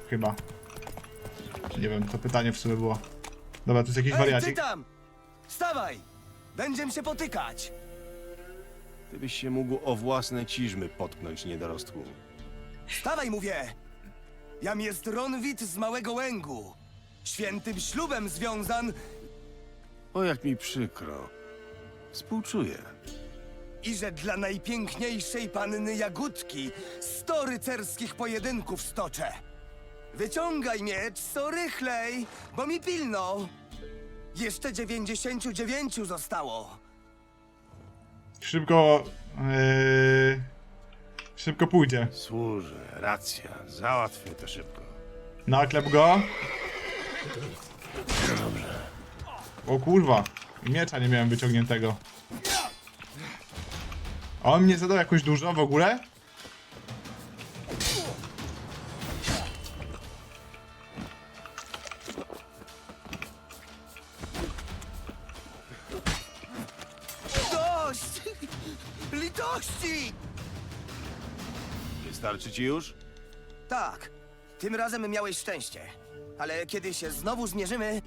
chyba. Nie wiem, to pytanie w sumie było. Dobra, tu jest jakiś Ej, ty wariacik. tam! Wstawaj! Będziemy się potykać! Ty byś się mógł o własne ciżmy potknąć, niedorostku. Wstawaj, mówię! Jam jest Ronwit z Małego Łęgu. Świętym ślubem związan O, jak mi przykro. Współczuję. i że dla najpiękniejszej panny Jagódki 100 rycerskich pojedynków stoczę. Wyciągaj miecz, co rychlej, bo mi pilno. Jeszcze 99 zostało. Szybko... Szybko pójdzie. Służę, racja. Załatwię to szybko. Naklep go. O kurwa. I miecza nie miałem wyciągniętego. A on mnie zadał jakoś dużo w ogóle? Dość! Litości! Wystarczy ci już? Tak, tym razem miałeś szczęście. Ale kiedy się znowu zmierzymy,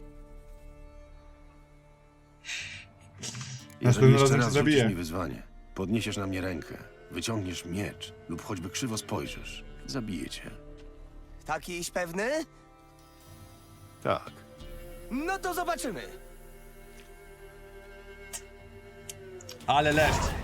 Następnym Jeżeli jeszcze razem się raz zabije. rzucisz mi wyzwanie, podniesiesz na mnie rękę, wyciągniesz miecz lub choćby krzywo spojrzysz, zabiję cię. takiś pewny? Tak. No to zobaczymy. Ale leszcz.